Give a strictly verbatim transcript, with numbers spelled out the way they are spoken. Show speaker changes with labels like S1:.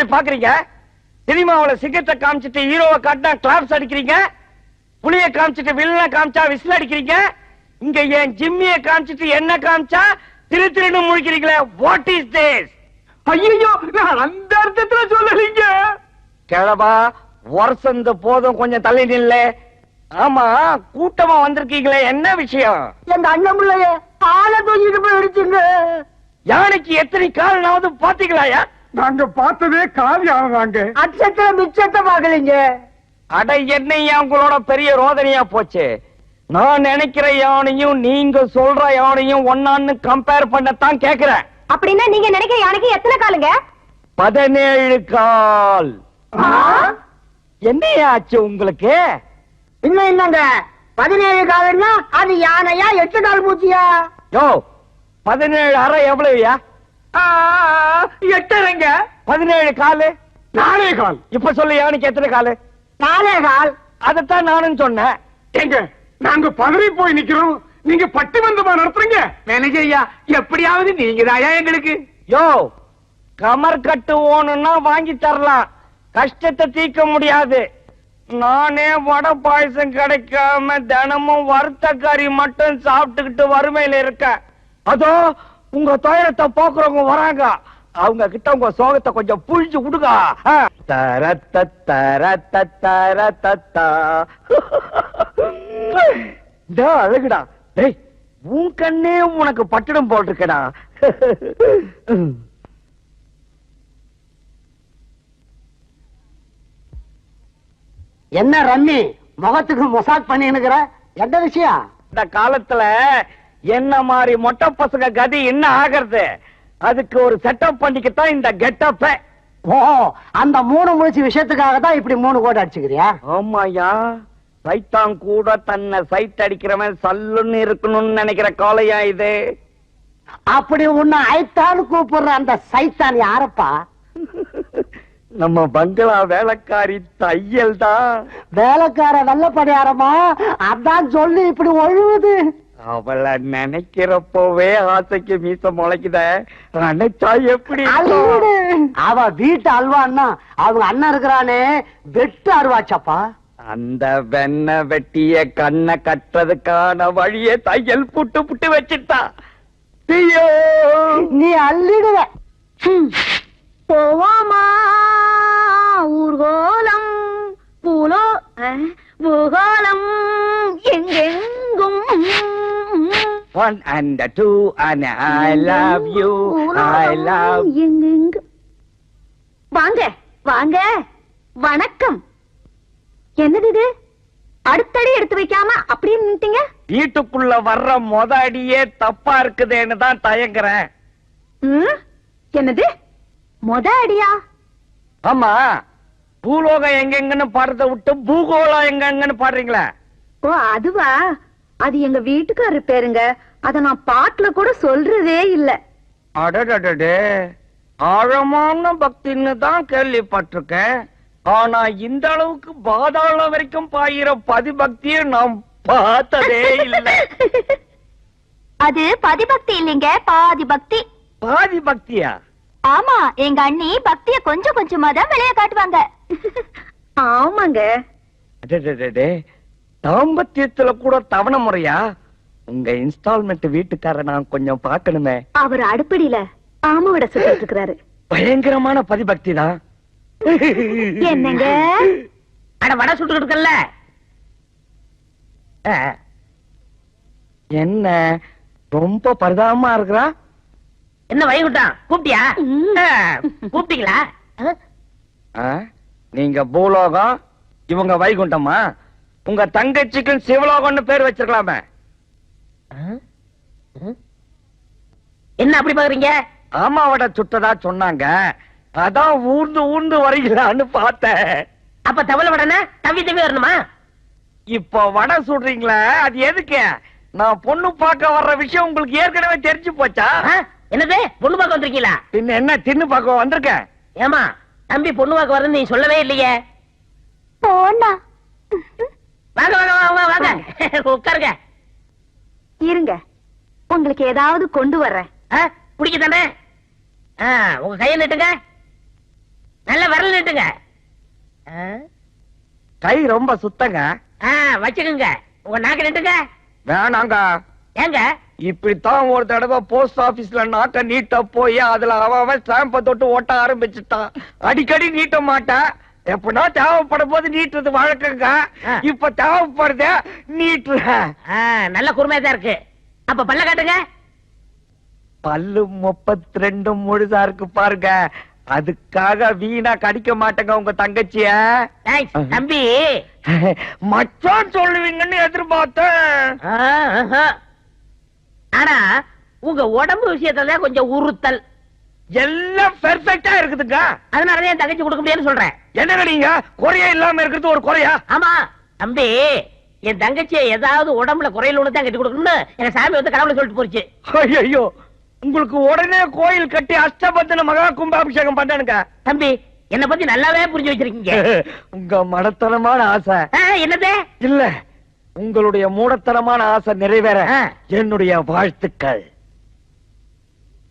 S1: பாக்குறீங்க? சினிமாவுல சிகரெட்டை காமிச்சிட்டு ஹீரோவை காட்டினா கிளாப்ஸ் அடிக்கிறீங்க, புளிய காமிச்சிட்டு வில்லனை காமிச்சா விசில் அடிக்கிறீங்க, இங்க என் ஜிம்மிய காமிச்சிட்டு என்ன காமிச்சா திரு திருன்னு முழிக்கிறீங்களே. What is this?
S2: ஐயோ, நான் அந்த அர்த்தத்துல சொல்லலீங்க.
S1: கிழவா, வருஷந்த போதும், கொஞ்சம் தள்ளி நில்ல. ஆமா, கூட்டமா வந்திருக்கீங்களே, என்ன விஷயம்?
S3: எங்க அண்ணன் பிள்ளைய ஆளை தூக்கிட்டு போய் அடிச்சுங்க.
S1: யானைக்கு எத்தனை காலனாவது பாத்தீங்களாயா?
S2: நாங்க பார்த்ததே காலி ஆனதாங்க.
S3: அச்சத்துல மிச்சத்தை பாக்கலீங்க.
S1: அட, என்னையா உங்களோட பெரிய ரோதனையா போச்சு. நான் நினைக்கிற யானையும் நீங்க சொல்ற யானையும் ஒன்னான்னு கம்பேர் பண்ணத்தான் கேக்குறேன்.
S3: அப்படின்னா நீங்க நினைக்கிற யானைக்கு எத்தனை காலுங்க?
S1: பதினேழு கால். என்னையா ஆச்சு உங்களுக்கு?
S3: இன்னும் என்னங்க, பதினேழு காலுன்னா அது யானையா எட்டு கால் பூச்சியா?
S1: யோ, பதினேழு அரை எவ்வளவுயா?
S2: எட்டரைங்க.
S1: பதினேழு காலு
S2: நாலே கால்.
S1: இப்ப சொல்லு, யானைக்கு எத்தனை காலு?
S3: நாலே கால்.
S1: அதத்தான் நானும் சொன்னேன்.
S2: எங்க நாங்க பதறி போய் நிக்கிறோம், நீங்க பட்டி வந்தமா நடத்துறீங்க. மேனேஜர் ஐயா, எப்படியாவது நீங்க தாயா எங்களுக்கு.
S1: யோ, கமர் கட்டு ஓணுன்னா வாங்கி தரலாம், கஷ்டத்தை தீர்க்க முடியாது. நானே வடை பாயசம் கிடைக்காம தினமும் வறுத்த கறி மட்டும் சாப்பிட்டுக்கிட்டு வறுமையில இருக்கேன். அதோ உங்க துயரத்தை போக்குறவங்க வராங்க, அவங்க கிட்ட உங்க சோகத்தை கொஞ்சம் புழிஞ்சு விடுங்க. தரத்த தரத்த தரத்தா அழகுடா. டேய், உன் கண்ணே உனக்கு பட்டிடம் போட்டிருக்கடா.
S3: என்ன ரம்மி முகத்துக்கு மொசாக் பண்ணினுக்கிற, என்ன விஷயம்?
S1: இந்த காலத்துல என்ன மாதிரி மொட்டை பசங்க கதி என்ன ஆகிறது? அதுக்கு ஒரு செட்டப் பண்ணிக்கத்தான் இந்த கெட்டப்ப.
S3: ஓ, அந்த மூணு முடிச்சு விஷயத்துக்காக தான் இப்படி மூணு கோடி அடிச்சுக்கிறியா?
S1: ஆமாயா, சைத்தான் கூட தன்னை சைட் அடிக்கிறவன் சல்லுன்னு இருக்கணும்னு நினைக்கிற காலையா இது.
S3: அப்படி உன்னை ஐத்தான்னு கூப்பிடுற அந்த சைத்தான் யாரப்பா?
S1: நம்ம பங்களா வேலைக்காரி தையல் தான்.
S3: வேலைக்கார வெள்ளப்படியாரமா? அதான் சொல்லி இப்படி ஒழுகுது.
S1: அவளை நினைக்கிறப்பவே ஆசைக்கு மீச முளைக்குத. நினைச்சா எப்படி?
S3: அவ வீட்டு அல்வான்னா அவங்க அண்ணன் இருக்கிறானே வெட்டு அருவாச்சப்பா.
S1: அந்த வெண்ண வெட்டிய கண்ணை கட்டுறதுக்கான வழியை தையல் புட்டு புட்டு வச்சுட்டா.
S3: நீ அள்ளிடுவ. போவாமா ஊர்கோலம் பூலோ பூகோளம் எங்கெங்கும்.
S1: One and two and I love you, I love.
S3: எங்கெங்கும். வாங்க வாங்க, வணக்கம். என்னது இது? அடுத்தடி எடுத்து வைக்காம அப்படியே நின்னுட்டீங்க.
S1: வீட்டுக்குள்ள வர்ற மொத அடியே தப்பா இருக்குதேன்னு தான் தயங்குறேன்.
S3: என்னது மொத அடியா?
S1: ஆமா, பூலோகம் எங்கெங்கன்னு பாடுறத விட்டு பூகோளம் எங்கெங்கன்னு பாடுறீங்களா?
S3: ஓ, அதுவா? அது எங்க வீட்டுக்காரரு பேருங்க, அத நான் பாட்டுல கூட சொல்றதே இல்ல.
S1: அடடடே, ஆழமான பக்தின்னு தான் கேள்விப்பட்டிருக்கேன். ஆனா இந்த அளவுக்கு பாதாளம் வரைக்கும் பாயிர பதிபக்தியை நாம் பார்த்ததே இல்லை.
S4: அது பதிபக்தி இல்லைங்க, பாதி பக்தி.
S1: பாதி பக்தியா?
S4: ஆமா, எங்க அண்ணி பக்திய கொஞ்சம் கொஞ்சமா தான் வெளியே காட்டுவாங்க.
S3: ஆமாங்க.
S1: அடடடே, தாம்பத்தியத்துல கூட தவண முறையா? உங்க இன்ஸ்டால்மெண்ட் வீட்டுக்கார நான் கொஞ்சம் பார்க்கணுமே.
S3: அவர் அடுப்படியில ஆமா விட சொல்லிட்டு இருக்கிறாரு.
S1: பயங்கரமான பதிபக்தி தான்.
S3: என்னங்க?
S5: அட, வடை சுட்டு இருக்கல்ல.
S1: என்ன ரொம்ப பரிதாபமா இருக்கிறா?
S5: என்ன வைகுண்டம் கூப்பிட்டியா? கூப்பிட்டீங்களா?
S1: நீங்க பூலோகம், இவங்க வைகுண்டமா? உங்க தங்கச்சிக்கும் சிவலோகம்னு பேர் வச்சிருக்கலாமே.
S5: என்ன அப்படி பாக்குறீங்க?
S1: ஆமாவட சுட்டதா சொன்னாங்க, அதான் ஊர்ந்து ஊர்ந்து வரீங்களான்னு பார்த்தேன்.
S5: அப்ப தவளை வடனை தவி தவி வரணுமா?
S1: இப்ப வடை சுடுறீங்களா, அது எதுக்கு? நான் பொண்ணு பார்க்க வர்ற விஷயம் உங்களுக்கு ஏற்கனவே தெரிஞ்சு போச்சா?
S5: என்னது, பொண்ணு பார்க்க வந்திருக்கீங்களா?
S1: பின்ன என்ன, தின்னு பார்க்க வந்திருக்கேன்.
S5: ஏமா தம்பி பொண்ணு பார்க்க வரது நீ சொல்லவே இல்லையே.
S4: போனா
S5: வாங்க வாங்க வாங்க வாங்க, உட்காருங்க.
S3: இருங்க, உங்களுக்கு ஏதாவது கொண்டு வர்றேன்.
S5: பிடிக்க தானே? உங்க கையை நட்டுங்க. நல்ல விரல் நீட்டுங்க. ஆ,
S1: கை ரொம்ப சுத்தங்க.
S5: ஆ, வச்சுக்குங்க. உங்க நாக்கு நீட்டுங்க.
S1: வேணாங்க.
S5: ஏங்க?
S1: இப்படித்தான் ஒரு தடவை போஸ்ட் ஆபீஸ்ல நாக்க நீட்ட போய் அதுல அவன் ஸ்டாம்ப தொட்டு ஓட்ட ஆரம்பிச்சுட்டான். அடிக்கடி நீட்ட மாட்டேன், எப்படின்னா தேவைப்படும் போது நீட்டுறது வழக்கங்க. இப்ப தேவைப்படுத நீட்டுறேன்.
S5: நல்ல குறுமையா தான் இருக்கு. அப்ப பல்ல காட்டுங்க.
S1: பல்லு முப்பத்தி ரெண்டு முழுதா இருக்கு பாருங்க. அதுக்காக வீணா கடிக்க மாட்டேங்க உங்க தங்கச்சிய.
S5: தம்பி
S1: மச்சான் சொல்லுவீங்கன்னு எதிர்பார்த்தேன்.
S5: ஆனா உங்க உடம்பு விஷயத்துல கொஞ்சம் உறுத்தல்.
S1: எல்லாம் பெர்ஃபெக்ட்டா இருக்குதுங்க.
S5: அதனாலதான் என் தங்கச்சி கொடுக்க முடியாதுன்னு சொல்றேன்.
S1: என்னங்க நீங்க குறையா இல்லாம இருக்கிறது ஒரு குறையா?
S5: ஆமா தம்பி, என் தங்கச்சியை ஏதாவது உடம்புல குறையில ஒண்ணு தான் கட்டி கொடுக்கணும்னு எங்க சாமி வந்து கடவுளை சொல்லிட்டு போச்சு.
S1: ஐயோ, உங்களுக்கு உடனே கோயில் கட்டி அஷ்டபந்தன மகா கும்பாபிஷேகம் பண்ணனுங்க.
S5: தம்பி என்ன பத்தி நல்லாவே புரிஞ்சு வச்சிருக்கீங்க.
S1: உங்க மடத்தனமான ஆசை
S5: என்னது
S1: இல்ல, உங்களுடைய மூடத்தனமான ஆசை நிறைவேற என்னுடைய வாழ்த்துக்கள்.